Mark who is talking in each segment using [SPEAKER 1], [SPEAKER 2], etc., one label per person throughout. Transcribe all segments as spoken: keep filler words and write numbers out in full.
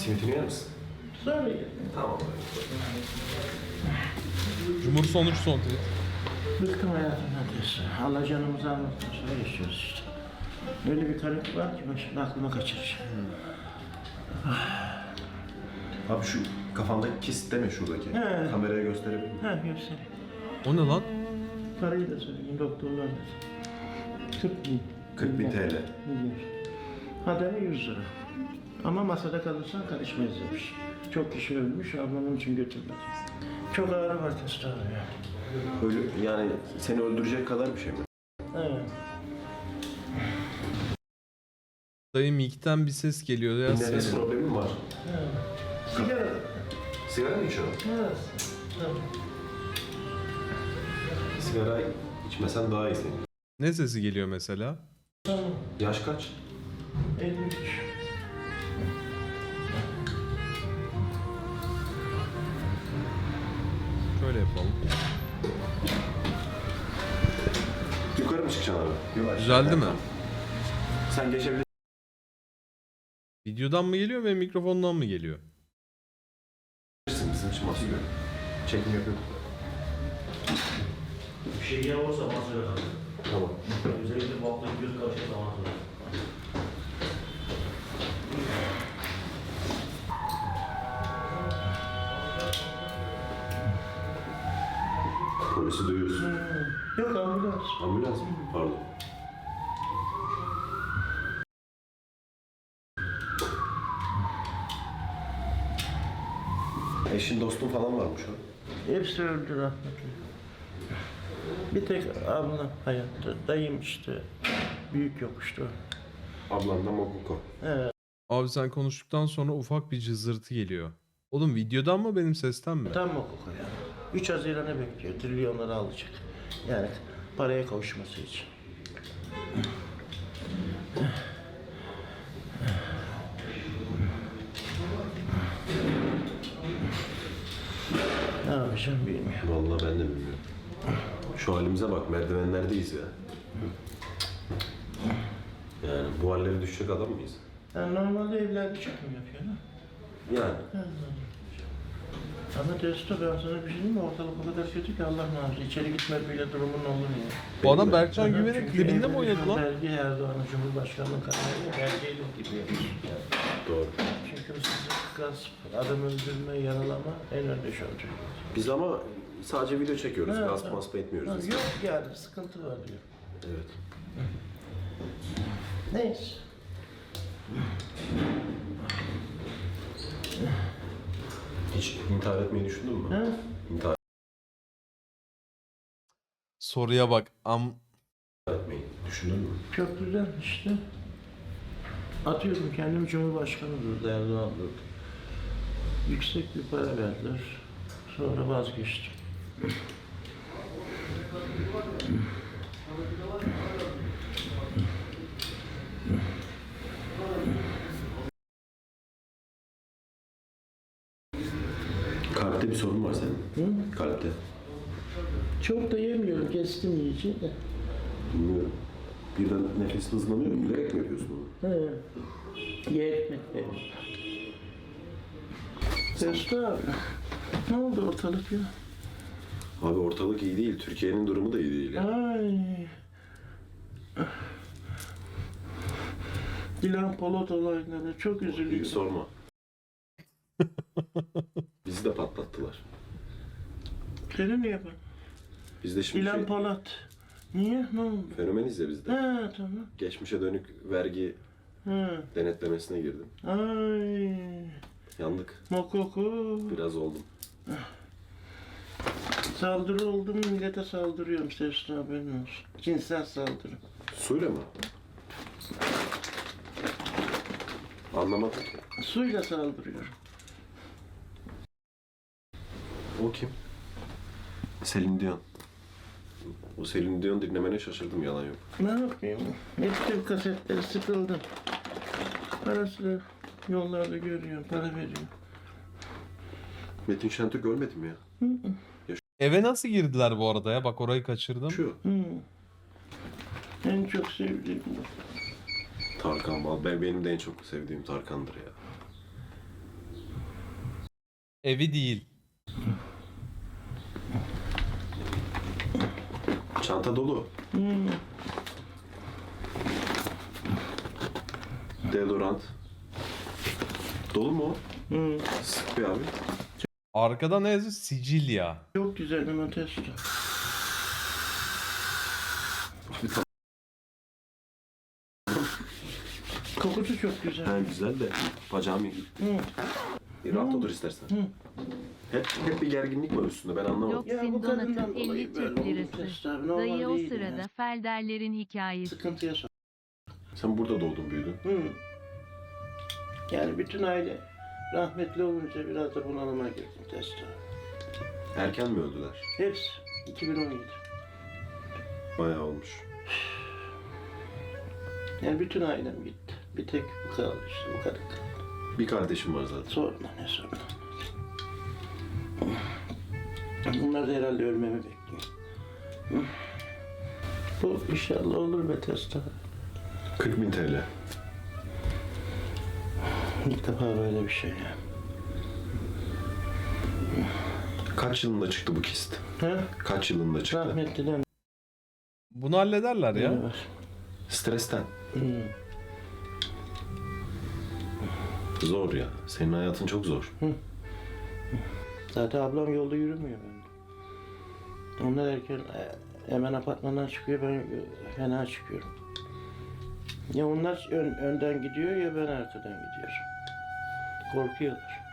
[SPEAKER 1] Simitini yer misin?
[SPEAKER 2] Sonra yedim.
[SPEAKER 1] Tamam.
[SPEAKER 3] Cumhur sonuç son tweet.
[SPEAKER 2] Bıktım hayatımdan diyorsun. Allah canımızı almasın. Sonra yaşıyoruz işte. Öyle bir karık var ki ben şimdi aklıma kaçıracağım.
[SPEAKER 1] Abi şu kafandaki kist deme şuradaki.
[SPEAKER 2] He.
[SPEAKER 1] Kameraya gösterebilir miyim?
[SPEAKER 2] Ha göstereyim.
[SPEAKER 3] O ne lan?
[SPEAKER 2] Parayı da söyleyeyim doktorlar da. kırk bin.
[SPEAKER 1] kırk bin T L.
[SPEAKER 2] Milyar. Hademe yüz lira. Ama masada kalırsan karışmayız demiş. Çok kişi ölmüş, ablamın için götürmedi. Çok ağrı var testosteron ya.
[SPEAKER 1] Öyle yani seni öldürecek kadar bir şey mi?
[SPEAKER 2] Evet.
[SPEAKER 3] Dayı mikten bir ses geliyor ya.
[SPEAKER 1] Nefes
[SPEAKER 3] Senin.
[SPEAKER 1] problemin var.
[SPEAKER 2] Evet. Sigara.
[SPEAKER 1] Sigara mı içiyorsun?
[SPEAKER 2] Evet. Tamam.
[SPEAKER 1] Sigara içmesen daha iyi senin.
[SPEAKER 3] Ne sesi geliyor mesela?
[SPEAKER 2] Tamam.
[SPEAKER 1] Yaş kaç?
[SPEAKER 2] elli üç.
[SPEAKER 3] Şöyle yapalım.
[SPEAKER 1] Yukarı mı çıkacaksın abi? Yok, aşağı.
[SPEAKER 3] Düzeldi mi?
[SPEAKER 1] Sen geçebilirsin.
[SPEAKER 3] Videodan mı geliyor ve mikrofondan mı geliyor?
[SPEAKER 1] Bizim için masaya. Çekim yapıyor.
[SPEAKER 4] Bir şey yiyen olursa bana söyle abi.
[SPEAKER 1] Tamam.
[SPEAKER 4] Özellikle bu hafta göz karışık zaman söyle.
[SPEAKER 1] Polisi duyuyorsun.
[SPEAKER 2] Hmm. Yok ambulans.
[SPEAKER 1] Ambulans mı? Pardon. Eşin dostun falan varmış o.
[SPEAKER 2] Hepsi öldü rahmetli. Bir tek ablam hayatta. Dayım işte. Büyük yokuştu.
[SPEAKER 1] Ablan da Mokuko.
[SPEAKER 2] Evet.
[SPEAKER 3] Abi sen konuştuktan sonra ufak bir cızırtı geliyor. Oğlum videodan mı benim sesten mi?
[SPEAKER 2] Tam Mokuko ya. üç Haziran'ı bekliyor. Trilyonları alacak. Yani paraya kavuşması için. Ne yapacağım bilmiyorum.
[SPEAKER 1] Vallahi ben de bilmiyorum. Şu halimize bak, merdivenlerdeyiz ya. Yani bu hallere düşecek adam mıyız?
[SPEAKER 2] Yani normalde evlerde çekim yapıyor ha.
[SPEAKER 1] Yani.
[SPEAKER 2] Ama testo ben sana bir şey diyeyim mi? Ortalık o kadar kötü ki Allah muhafaza. İçeri gitme bile durumun olur ya.
[SPEAKER 3] Bu adam Berkcan Güven'in
[SPEAKER 2] Çünkü
[SPEAKER 3] klibinde mi
[SPEAKER 2] evde
[SPEAKER 3] oynadı
[SPEAKER 2] şu
[SPEAKER 3] lan?
[SPEAKER 2] Belge Erdoğan'ın Cumhurbaşkanlığı kararıyla belgeyle gibi yapıyor. Yani.
[SPEAKER 1] Doğru.
[SPEAKER 2] Çünkü hırsızlık, gasp, adam öldürme, yaralama en önde şu olacak.
[SPEAKER 1] Biz ama sadece video çekiyoruz.
[SPEAKER 2] Evet,
[SPEAKER 1] Gasp
[SPEAKER 2] evet.
[SPEAKER 1] masp etmiyoruz.
[SPEAKER 2] Ha,
[SPEAKER 1] biz.
[SPEAKER 2] yok yani sıkıntı var diyor.
[SPEAKER 1] Evet.
[SPEAKER 2] Neyse.
[SPEAKER 1] Hiç intihar etmeyi düşündün mü?
[SPEAKER 2] Ha?
[SPEAKER 1] İntihar
[SPEAKER 3] Soruya bak. Am
[SPEAKER 1] etmeyi düşündün mü?
[SPEAKER 2] Çok güzel işte. Atıyorum kendim Cumhurbaşkanı durdu, Erdoğan durdu. Yüksek bir para verdiler. Sonra vazgeçtim.
[SPEAKER 1] Kalpte bir sorun var senin.
[SPEAKER 2] Hı?
[SPEAKER 1] Kalpte.
[SPEAKER 2] Çok da yemiyorum, kestim iyice de.
[SPEAKER 1] Bilmiyorum. Birden nefesin hızlanıyor. Bilerek mi yapıyorsun bunu?
[SPEAKER 2] He. Ye ekmek verin. Testo abi. Ne oldu ortalık ya?
[SPEAKER 1] Abi ortalık iyi değil. Türkiye'nin durumu da iyi değil. Ya.
[SPEAKER 2] Ay. Dilan Polat olayları çok
[SPEAKER 1] Hiç
[SPEAKER 2] üzülüyorum.
[SPEAKER 1] sorma. Bizi de patlattılar.
[SPEAKER 2] Seni niye yapın?
[SPEAKER 1] Biz de şimdi
[SPEAKER 2] Dilan
[SPEAKER 1] şey,
[SPEAKER 2] Polat. Niye? Ne oldu?
[SPEAKER 1] fenomeniz ya biz de.
[SPEAKER 2] Ha tamam.
[SPEAKER 1] Geçmişe dönük vergi
[SPEAKER 2] Ha.
[SPEAKER 1] denetlemesine girdim.
[SPEAKER 2] Ay.
[SPEAKER 1] Yandık.
[SPEAKER 2] Mokoko.
[SPEAKER 1] Biraz oldum.
[SPEAKER 2] Saldırı oldu mu millete saldırıyorum Testo haberin olsun. Cinsel saldırı.
[SPEAKER 1] Suyla mı? Anlamadım ki.
[SPEAKER 2] Suyla saldırıyorum.
[SPEAKER 1] O kim? Selin Dion. O Selin Dion dinlemene şaşırdım, yalan yok.
[SPEAKER 2] Ne yapayım? Hepsi kasetleri sıkıldım. Parasını yollarda görüyorum, para veriyorum.
[SPEAKER 1] Metin Şentürk ölmedi mi ya?
[SPEAKER 2] Hı hı.
[SPEAKER 3] eve nasıl girdiler bu arada ya? Bak orayı kaçırdım.
[SPEAKER 1] Şu.
[SPEAKER 2] Hı. En çok sevdiğim bu.
[SPEAKER 1] Tarkan. Vallahi ben benim de en çok sevdiğim Tarkan'dır ya.
[SPEAKER 3] Evi değil.
[SPEAKER 1] Çanta dolu.
[SPEAKER 2] Hmm.
[SPEAKER 1] Deodorant. Dolu mu o?
[SPEAKER 2] Hmm.
[SPEAKER 1] Sık bir abi.
[SPEAKER 3] Arkada ne yazıyor? Sicilya.
[SPEAKER 2] Çok güzel bir testo.
[SPEAKER 1] Bir ta-
[SPEAKER 2] Kokusu çok güzel.
[SPEAKER 1] Ha, güzel de bacağım iyi.
[SPEAKER 2] Hmm.
[SPEAKER 1] Bir rahat otur istersen.
[SPEAKER 2] Hı.
[SPEAKER 1] Hep, hep bir gerginlik var üstünde, ben anlamadım.
[SPEAKER 5] Yok.
[SPEAKER 2] Ya bu
[SPEAKER 5] Sin
[SPEAKER 2] kadından
[SPEAKER 5] Donat'ın
[SPEAKER 2] dolayı
[SPEAKER 5] elli
[SPEAKER 2] böyle
[SPEAKER 5] Türk
[SPEAKER 2] oldu
[SPEAKER 5] lirası.
[SPEAKER 2] testo abi. Normal
[SPEAKER 5] Dayı o
[SPEAKER 2] değil
[SPEAKER 5] sırada
[SPEAKER 2] ya.
[SPEAKER 5] Felderlerin hikayesi.
[SPEAKER 2] Sıkıntıya sok.
[SPEAKER 1] Sen burada doğdun büyüdün.
[SPEAKER 2] Hı. Yani bütün aile rahmetli olunca biraz da bunalıma girdim testo.
[SPEAKER 1] Erken mi öldüler?
[SPEAKER 2] Hepsi iki bin on yedi.
[SPEAKER 1] Bayağı olmuş.
[SPEAKER 2] Yani bütün ailem gitti. Bir tek bu kaldı işte, bu kadar kaldı.
[SPEAKER 1] Bir kardeşim var zaten.
[SPEAKER 2] Sorma ne sorma. Bunlar da herhalde ölmemi bekliyor. Hı. Bu inşallah olur be testo.
[SPEAKER 1] kırk bin T L.
[SPEAKER 2] İlk defa böyle bir şey ya.
[SPEAKER 1] Kaç yılında çıktı bu kist?
[SPEAKER 2] Ha?
[SPEAKER 1] Kaç yılında çıktı?
[SPEAKER 2] Rahmetliden
[SPEAKER 3] Bunu hallederler
[SPEAKER 2] biri
[SPEAKER 3] ya.
[SPEAKER 2] var.
[SPEAKER 1] Stresten.
[SPEAKER 2] Hı.
[SPEAKER 1] Zor ya. Senin hayatın çok zor.
[SPEAKER 2] Zaten ablam yolda yürümüyor bende. Onlar erken e, hemen apartmandan çıkıyor, ben fena çıkıyorum. Ya onlar ön- önden gidiyor ya ben arkadan gidiyorum. Korkuyorlar.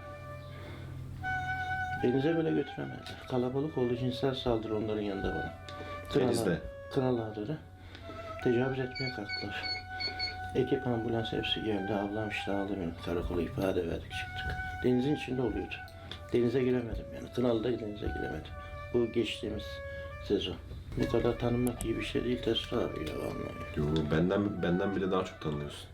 [SPEAKER 2] Denize bile götüremezler. Kalabalık oldu, cinsel saldırı onların yanında bana.
[SPEAKER 1] Denizde.
[SPEAKER 2] Kral ağları tecavüz etmeye kalktılar. Ekip ambulans hepsi geldi. Ablam işte aldı beni. Karakola ifade verdik çıktık. Denizin içinde oluyordu. Denize giremedim yani. Kınalı'da denize giremedim. Bu geçtiğimiz sezon. Bu kadar tanınmak iyi bir şey değil Testo abi ya vallahi.
[SPEAKER 1] Yo, benden benden bile daha çok tanıyorsun.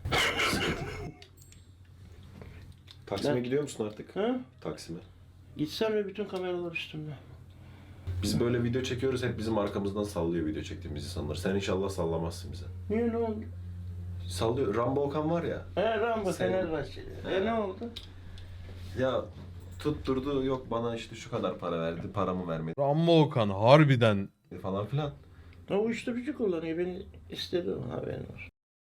[SPEAKER 1] Taksim'e
[SPEAKER 2] Ben-
[SPEAKER 1] gidiyor musun artık?
[SPEAKER 2] Ha?
[SPEAKER 1] Taksim'e.
[SPEAKER 2] Gitsem ve bütün kameralar üstümde.
[SPEAKER 1] Biz böyle video çekiyoruz, hep bizim arkamızdan sallıyor video çektiğimiz insanlar. Sen inşallah sallamazsın bize.
[SPEAKER 2] Niye ne oldu?
[SPEAKER 1] Sallıyor. Rambo Okan var ya.
[SPEAKER 2] He Rambo
[SPEAKER 1] Sen-
[SPEAKER 2] Fenerbahçeli.
[SPEAKER 1] He.
[SPEAKER 2] E ne oldu?
[SPEAKER 1] Ya tutturdu, yok bana işte şu kadar para verdi, paramı vermedi
[SPEAKER 3] Rambo Okan harbiden.
[SPEAKER 1] falan filan.
[SPEAKER 2] O uyuşturucu kullanıyor. Beni istedi o haberin var.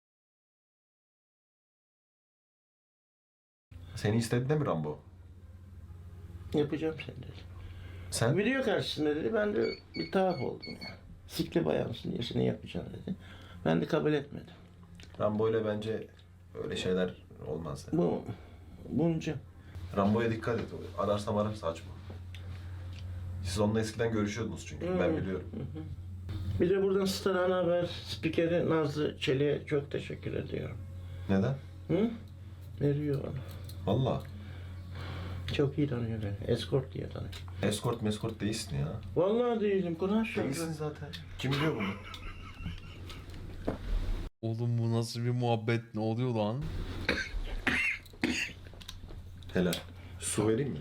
[SPEAKER 1] Seni istedi de mi Rambo?
[SPEAKER 2] Yapacağım seni dedi.
[SPEAKER 1] Sen?
[SPEAKER 2] Video karşısında dedi. Ben de bir tuhaf oldum ya. Sikli bayansın diye seni yapacağım dedi. Ben de kabul etmedim.
[SPEAKER 1] Rambo ile bence öyle şeyler olmaz. Yani.
[SPEAKER 2] Bu bunca.
[SPEAKER 1] Rambo'ya dikkat et. Ararsam ararsa açma. Siz onunla eskiden görüşüyordunuz çünkü. Ben
[SPEAKER 2] Hmm.
[SPEAKER 1] biliyorum.
[SPEAKER 2] Bir de buradan Star Ana Haber spikeri Nazlı Çelik'e çok teşekkür ediyorum.
[SPEAKER 1] Neden?
[SPEAKER 2] Hı? Veriyor bana.
[SPEAKER 1] Valla.
[SPEAKER 2] Çok iyi tanıyor beni. Escort diye tanıyor.
[SPEAKER 1] Escort meskort değilsin ya.
[SPEAKER 2] Vallahi değilim. Kulaş
[SPEAKER 1] Değilsin zaten. Kim biliyor bunu?
[SPEAKER 3] Oğlum bu nasıl bir muhabbet, ne oluyor lan?
[SPEAKER 1] Helal. Su vereyim mi?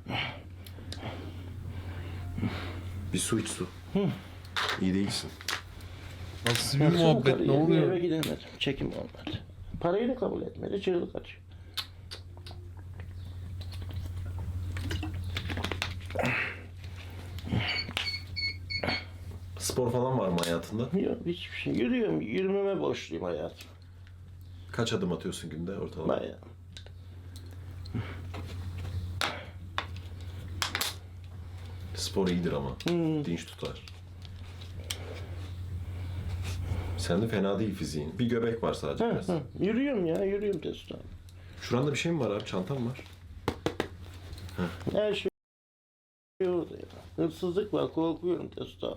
[SPEAKER 1] Bir su iç su. İyi değilsin.
[SPEAKER 3] Nasıl bir muhabbet, ne
[SPEAKER 2] Eve
[SPEAKER 3] oluyor?
[SPEAKER 2] gidemedim. Çekim olmadı. Parayı da kabul etmedi. Çığlık atıyor.
[SPEAKER 1] Spor falan var mı hayatında?
[SPEAKER 2] Yok hiçbir şey. Yürüyorum. Yürümeme borçluyum hayatım.
[SPEAKER 1] Kaç adım atıyorsun günde ortalama?
[SPEAKER 2] Bayağı.
[SPEAKER 1] Spor iyidir ama.
[SPEAKER 2] Hmm.
[SPEAKER 1] Dinç tutar. Sen de fena değil fiziğin. Bir göbek var sadece
[SPEAKER 2] Hı,
[SPEAKER 1] biraz.
[SPEAKER 2] hı. Yürüyorum ya. Yürüyorum Testo.
[SPEAKER 1] Şuranda bir şey mi var abi? Çantam var.
[SPEAKER 2] Her şey orada ya. Hırsızlık var. Korkuyorum Testo.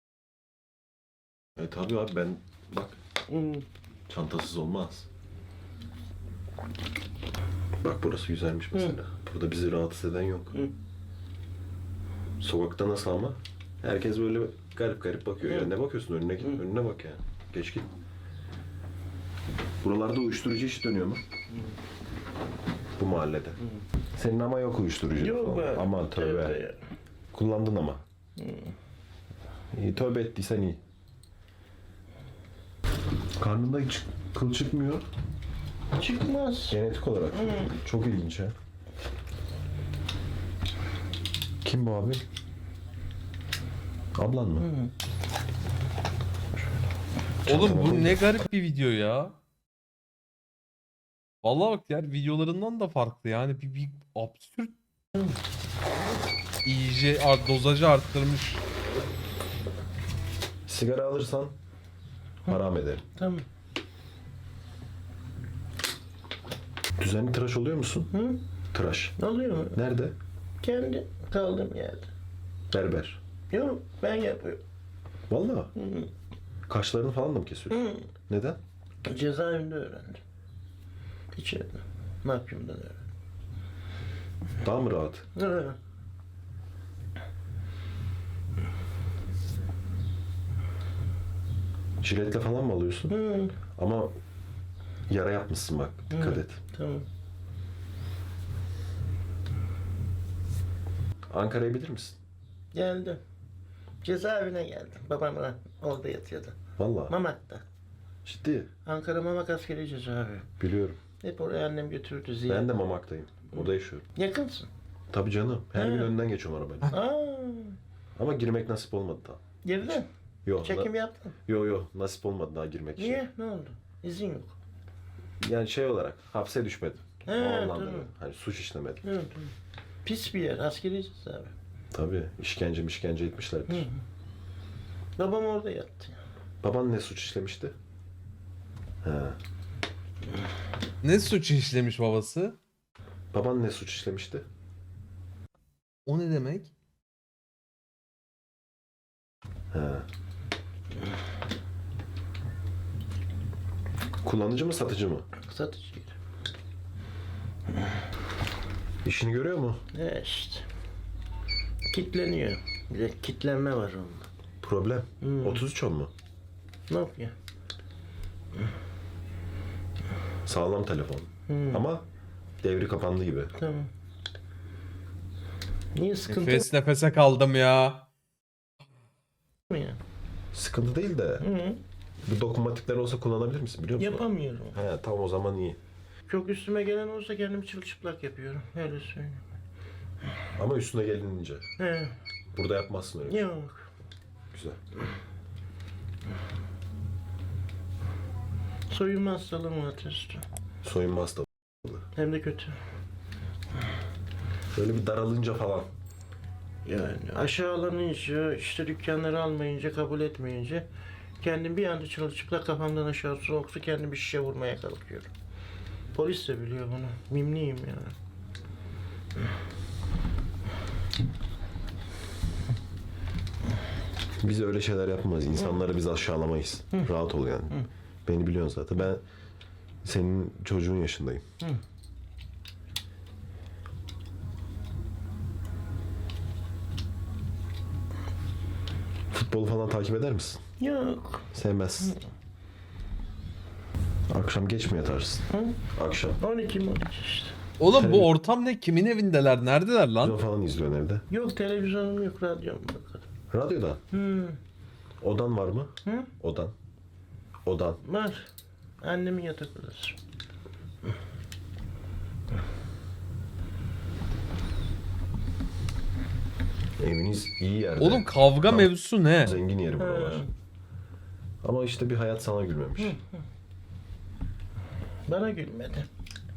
[SPEAKER 1] E tabii abi ben bak
[SPEAKER 2] Hmm.
[SPEAKER 1] çantasız olmaz. Bak burası güzelmiş mesela. Burada bizi rahatsız eden yok.
[SPEAKER 2] Hı.
[SPEAKER 1] Sokakta nasıl ama? Herkes böyle garip garip bakıyor.
[SPEAKER 2] Hı.
[SPEAKER 1] Ya ne bakıyorsun önüne git.
[SPEAKER 2] Hı.
[SPEAKER 1] Önüne bak ya. Geç git. Buralarda uyuşturucu işi dönüyor mu? Bu mahallede. Senin ama yok uyuşturucu.
[SPEAKER 2] Yok
[SPEAKER 1] falan.
[SPEAKER 2] be.
[SPEAKER 1] Aman tövbe.
[SPEAKER 2] Tövbe ya.
[SPEAKER 1] Kullandın ama. İyi, tövbe ettiysen iyi. Karnında hiç kıl çıkmıyor.
[SPEAKER 2] Çıkmaz.
[SPEAKER 1] Genetik olarak.
[SPEAKER 2] Hı.
[SPEAKER 1] Çok ilginç ha. Kim bu abi? Ablan mı?
[SPEAKER 2] Hı.
[SPEAKER 3] Oğlum bu ne garip bir video ya. Vallahi bak diğer videolarından da farklı yani bir, bir absürt. İyice art, dozajı arttırmış.
[SPEAKER 1] Sigara alırsan haram ederim.
[SPEAKER 2] Tamam.
[SPEAKER 1] Düzenli tıraş oluyor musun?
[SPEAKER 2] Hı?
[SPEAKER 1] Tıraş.
[SPEAKER 2] Oluyor mu?
[SPEAKER 1] Nerede?
[SPEAKER 2] Kendi kaldığım yerde.
[SPEAKER 1] Berber.
[SPEAKER 2] Yok ben yapıyorum.
[SPEAKER 1] Vallahi.
[SPEAKER 2] Hı.
[SPEAKER 1] Kaşlarını falan da mı kesiyorsun?
[SPEAKER 2] Hı.
[SPEAKER 1] Neden?
[SPEAKER 2] Cezaevinde öğrendim. İçeride. Mahkumdan öğrendim.
[SPEAKER 1] Daha mı rahat?
[SPEAKER 2] Hı.
[SPEAKER 1] Jiletle falan mı alıyorsun?
[SPEAKER 2] Hı.
[SPEAKER 1] Ama yara yapmışsın bak. Dikkat
[SPEAKER 2] Hı.
[SPEAKER 1] et.
[SPEAKER 2] Tamam.
[SPEAKER 1] Ankara'ya bilir misin?
[SPEAKER 2] Geldim. Cezaevine geldim. Babam da orada yatıyordu.
[SPEAKER 1] Vallahi.
[SPEAKER 2] Mamak'ta.
[SPEAKER 1] Ciddi.
[SPEAKER 2] Ankara Mamak askeri cezaevi.
[SPEAKER 1] Biliyorum.
[SPEAKER 2] Hep oraya annem götürdü ziyaret.
[SPEAKER 1] Ben de Mamak'tayım. Orada yaşıyorum.
[SPEAKER 2] Yakınsın.
[SPEAKER 1] Tabii canım. Her
[SPEAKER 2] He.
[SPEAKER 1] gün önünden geçiyorum arabayla.
[SPEAKER 2] Aa,
[SPEAKER 1] Ama girmek nasip olmadı daha.
[SPEAKER 2] girdin.
[SPEAKER 1] Yok.
[SPEAKER 2] Çekim
[SPEAKER 1] na-
[SPEAKER 2] yaptın.
[SPEAKER 1] Yo yo nasip olmadı daha girmek için.
[SPEAKER 2] Niye? Ne oldu? İzin yok.
[SPEAKER 1] Yani şey olarak hapse düşmedim.
[SPEAKER 2] He,
[SPEAKER 1] o anlamda.
[SPEAKER 2] tamam.
[SPEAKER 1] böyle. Hani suç işlemedim.
[SPEAKER 2] Evet, evet. Pis bir yer. Askeri cezaevi.
[SPEAKER 1] Tabii işkence işkence etmişlerdir.
[SPEAKER 2] Hı. Babam orada yattı.
[SPEAKER 1] Baban ne suç işlemişti? He.
[SPEAKER 3] Ne suç işlemiş babası?
[SPEAKER 1] Baban ne suç işlemişti?
[SPEAKER 3] O ne demek?
[SPEAKER 1] He. Kullanıcı mı satıcı mı?
[SPEAKER 2] Satıcıydı.
[SPEAKER 1] İşini görüyor mu?
[SPEAKER 2] Ne işte. Kitleniyor. Bir de kitlenme var onda.
[SPEAKER 1] Problem.
[SPEAKER 2] Hmm.
[SPEAKER 1] otuz üç on mu?
[SPEAKER 2] Ne yapıyor?
[SPEAKER 1] Sağlam telefon.
[SPEAKER 2] Hmm.
[SPEAKER 1] Ama devri kapandı gibi.
[SPEAKER 2] Tamam. Niye sıkıntı
[SPEAKER 3] Nefes nefese kaldım ya.
[SPEAKER 2] mı ya?
[SPEAKER 1] Sıkıntı değil de
[SPEAKER 2] Hı.
[SPEAKER 1] bu dokunmatikler olsa kullanabilir misin biliyor musun?
[SPEAKER 2] Yapamıyorum.
[SPEAKER 1] He tamam o zaman iyi.
[SPEAKER 2] Çok üstüme gelen olsa kendimi çırılçıplak yapıyorum. Öyle söyleyeyim.
[SPEAKER 1] Ama üstüne gelinince.
[SPEAKER 2] He.
[SPEAKER 1] Burada yapmazsın öyle. bir şey.
[SPEAKER 2] Yok.
[SPEAKER 1] Güzel.
[SPEAKER 2] Soyunma hastalığım var testo.
[SPEAKER 1] Soyunma hastalığı.
[SPEAKER 2] Hem de kötü.
[SPEAKER 1] Böyle bir daralınca falan.
[SPEAKER 2] Yani aşağılanınca, işte dükkanları almayınca, kabul etmeyince kendim bir anda çırılçıplak kafamdan aşağı soğuksa kendim bir şişe vurmaya kalkıyorum. Polis de biliyor bunu. Mimliyim yani.
[SPEAKER 1] Biz öyle şeyler yapmayız. İnsanları biz aşağılamayız. Rahat ol yani. Beni biliyorsun zaten. Ben senin çocuğun yaşındayım.
[SPEAKER 2] Hı.
[SPEAKER 1] Futbolu falan takip eder misin?
[SPEAKER 2] Yok.
[SPEAKER 1] Sevmezsin. Akşam geç mi yatarsın?
[SPEAKER 2] Hı?
[SPEAKER 1] Akşam.
[SPEAKER 2] on iki on iki işte.
[SPEAKER 3] Oğlum
[SPEAKER 1] Tabii.
[SPEAKER 3] bu ortam ne? Kimin evindeler? Neredeler lan?
[SPEAKER 1] Televizyon falan izliyorsun evde.
[SPEAKER 2] Yok televizyonum yok, radyom var.
[SPEAKER 1] Radyodan.
[SPEAKER 2] Hı.
[SPEAKER 1] Odan var mı?
[SPEAKER 2] Hı?
[SPEAKER 1] Odan. Odan.
[SPEAKER 2] Var. Annemin yatak odası.
[SPEAKER 1] Eviniz iyi yerde.
[SPEAKER 3] Oğlum kavga
[SPEAKER 1] Tamam.
[SPEAKER 3] mevzusu ne?
[SPEAKER 1] Zengin yeri buralar.
[SPEAKER 2] Hı.
[SPEAKER 1] Ama işte bir hayat sana gülmemiş.
[SPEAKER 2] Bana gülmedi.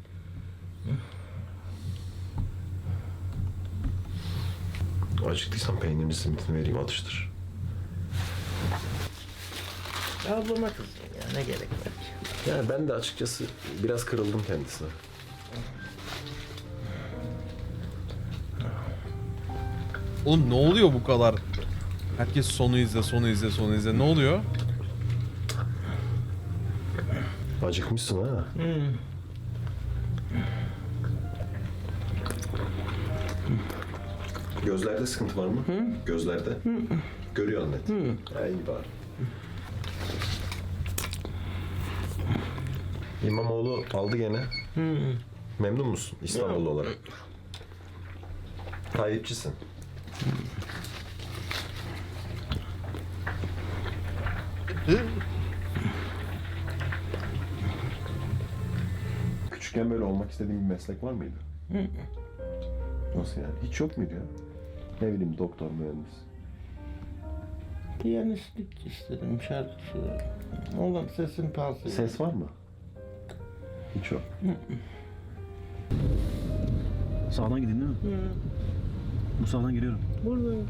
[SPEAKER 1] Acıktıysan peynirini simitini vereyim atıştır.
[SPEAKER 2] Ablama kızdım ya, ne gerek var ki?
[SPEAKER 1] Yani ben de açıkçası biraz kırıldım kendisine.
[SPEAKER 3] Oğlum ne oluyor bu kadar? Herkes sonu izle, sonu izle, sonu izle. Ne oluyor?
[SPEAKER 1] Acıkmışsın ha.
[SPEAKER 2] Hı.
[SPEAKER 1] Gözlerde sıkıntı var mı? Gözlerde. Görüyor net. Ha, iyi bari. İmamoğlu aldı gene.
[SPEAKER 2] Hı.
[SPEAKER 1] Memnun musun İstanbullu
[SPEAKER 2] Yok.
[SPEAKER 1] olarak? Tayyipçisin. Küçükken böyle olmak istediğin bir meslek var mıydı? Nasıl yani? Hiç yok muydu ya? Ne bileyim doktor, mühendis.
[SPEAKER 2] Piyanistlik istedim, şarkı söyledim. Oğlum sesin palsı.
[SPEAKER 1] Ses var mı? Hiç yok.
[SPEAKER 5] Sağdan gidin değil mi?
[SPEAKER 2] Hı,
[SPEAKER 5] Bu sağdan giriyorum.
[SPEAKER 2] buradayım.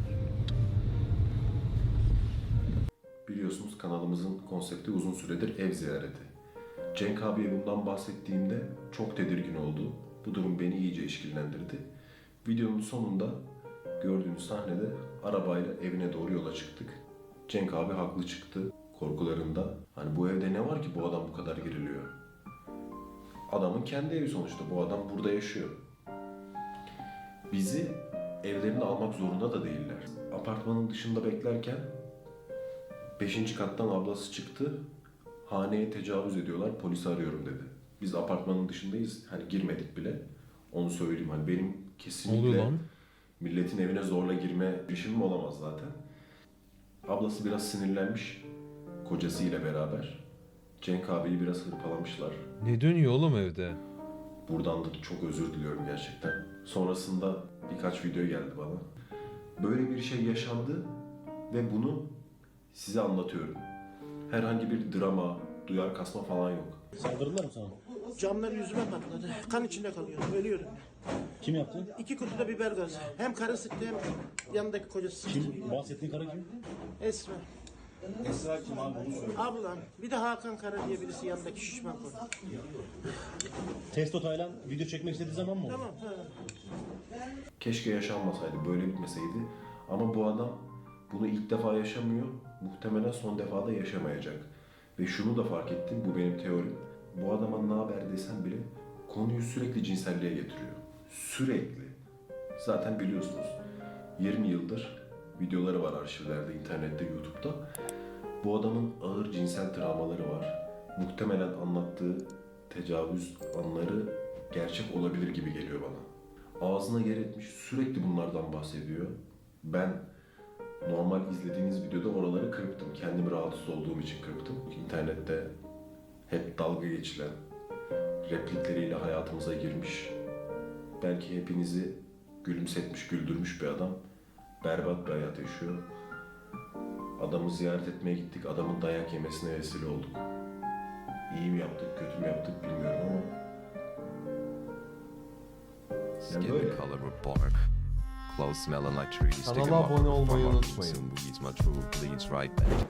[SPEAKER 1] Biliyorsunuz kanalımızın konsepti uzun süredir ev ziyareti. Cenk abiye bundan bahsettiğimde çok tedirgin oldu. Bu durum beni iyice işkillendirdi. Videonun sonunda gördüğünüz sahnede arabayla evine doğru yola çıktık. Cenk abi haklı çıktı korkularında. Hani bu evde ne var ki bu adam bu kadar geriliyor? Adamın kendi evi sonuçta. Bu adam burada yaşıyor. Bizi evlerine almak zorunda da değiller. Apartmanın dışında beklerken beşinci kattan ablası çıktı. Haneye tecavüz ediyorlar, polisi arıyorum dedi. Biz apartmanın dışındayız, hani girmedik bile. Onu söyleyeyim, hani benim
[SPEAKER 3] Ne oluyor
[SPEAKER 1] kesinlikle
[SPEAKER 3] lan?
[SPEAKER 1] milletin evine zorla girme girişimim olamaz zaten. Ablası biraz sinirlenmiş, kocasıyla beraber. Cenk abiyi biraz hırpalamışlar.
[SPEAKER 3] Ne dönüyor oğlum evde?
[SPEAKER 1] Buradan da çok özür diliyorum gerçekten. Sonrasında birkaç video geldi bana. Böyle bir şey yaşandı ve bunu size anlatıyorum. Herhangi bir drama, duyar kasma falan yok.
[SPEAKER 5] Saldırdılar mı sana?
[SPEAKER 2] Camlar yüzüme patladı. Kan içinde kalıyorum, ölüyorum.
[SPEAKER 5] Kim yaptı?
[SPEAKER 2] İki kutuda biber gazı. Hem karı sıktı hem yanındaki kocası sıktı.
[SPEAKER 5] Kim? Bahsettiğin kara kim?
[SPEAKER 2] Esra.
[SPEAKER 5] Esra kim abi bunu söyle.
[SPEAKER 2] Ablam. Bir de Hakan Kara diye birisi yanındaki şişman konu.
[SPEAKER 5] Testo Taylan video çekmek istediği zaman mı oldu?
[SPEAKER 2] Tamam. Ha.
[SPEAKER 1] Keşke yaşanmasaydı, böyle bitmeseydi. Ama bu adam bunu ilk defa yaşamıyor. Muhtemelen son defa da yaşamayacak. Ve şunu da fark ettim, bu benim teorim. Bu adama ne haber desem bile konuyu sürekli cinselliğe getiriyor. Sürekli. Zaten biliyorsunuz yirmi yıldır videoları var arşivlerde, internette, YouTube'da. Bu adamın ağır cinsel travmaları var. Muhtemelen anlattığı tecavüz anları gerçek olabilir gibi geliyor bana. Ağzına yer etmiş, sürekli bunlardan bahsediyor. Ben normal izlediğiniz videoda oraları kırptım. Kendimi rahatsız olduğum için kırptım. İnternette hep dalga geçilen replikleriyle hayatımıza girmiş. Belki hepinizi gülümsetmiş, güldürmüş bir adam. Berbat bir hayat yaşıyor. Adamı ziyaret etmeye gittik. Adamın dayak yemesine vesile olduk. İyi mi yaptık, kötü mü yaptık bilmiyorum ama
[SPEAKER 6] Skin
[SPEAKER 1] böyle.
[SPEAKER 6] color or bark. Clothes smelling like trees.
[SPEAKER 3] Kanala
[SPEAKER 6] Stick 'em up
[SPEAKER 3] abone
[SPEAKER 6] with
[SPEAKER 3] olmayı
[SPEAKER 6] farm.
[SPEAKER 3] unutmayın.
[SPEAKER 6] Soon weeds my true bleeds right back.